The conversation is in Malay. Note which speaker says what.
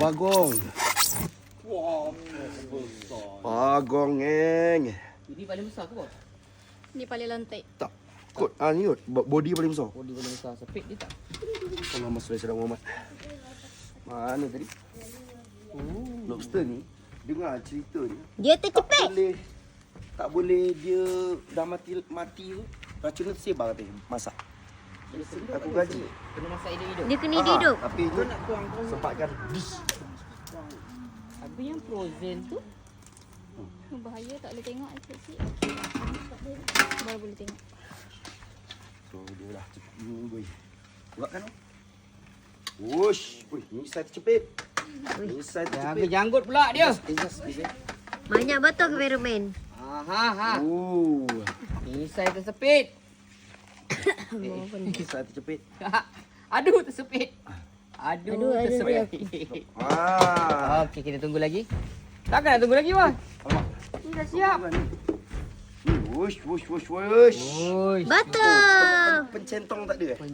Speaker 1: Bagong.
Speaker 2: Wah, besar.
Speaker 1: Bagong, ngeng.
Speaker 2: Ini paling besar ke bos?
Speaker 3: Ni paling lantik.
Speaker 1: Tak. Kot, ni kot. Body paling besar.
Speaker 2: Body paling besar. Sepit dia tak?
Speaker 1: Allahumma salli ala Muhammad. Mana tadi? Lobster ni, dengar cerita ni.
Speaker 3: Dia
Speaker 1: Tak
Speaker 3: tercepit.
Speaker 1: boleh. Tak boleh dia dah mati tu. Racun tu tersebar katanya. Masak. Aku gaji.
Speaker 2: Kena masak hidup-hidup.
Speaker 3: Dia kena hidup.
Speaker 1: Tapi
Speaker 2: Kau
Speaker 1: dia
Speaker 2: nak tuang
Speaker 1: sempatkan dish.
Speaker 2: Habis yang frozen tu.
Speaker 3: Bahaya tak boleh tengok kecil. Baru boleh tengok.
Speaker 1: So dia dah cepat boy. Buatkan tu. Wush. Wih, ni saya tercepit. Ni saya
Speaker 2: Jaga
Speaker 1: tercepit.
Speaker 2: janggut pula dia.
Speaker 1: Just.
Speaker 3: Banyak betul kameraman.
Speaker 2: Ha.
Speaker 1: Oh.
Speaker 2: Ini saya tersepit.
Speaker 1: Ni saya tercepit.
Speaker 2: Aduh tersepit. Aduh
Speaker 3: Aduh,
Speaker 2: tersepit. Okey, kita tunggu lagi. Takkan nak tunggu lagi, Bos?
Speaker 1: Alamak.
Speaker 2: Ni dah siap.
Speaker 1: Wush.
Speaker 2: Oi.
Speaker 3: Betul.
Speaker 1: Pencentong tak ada eh?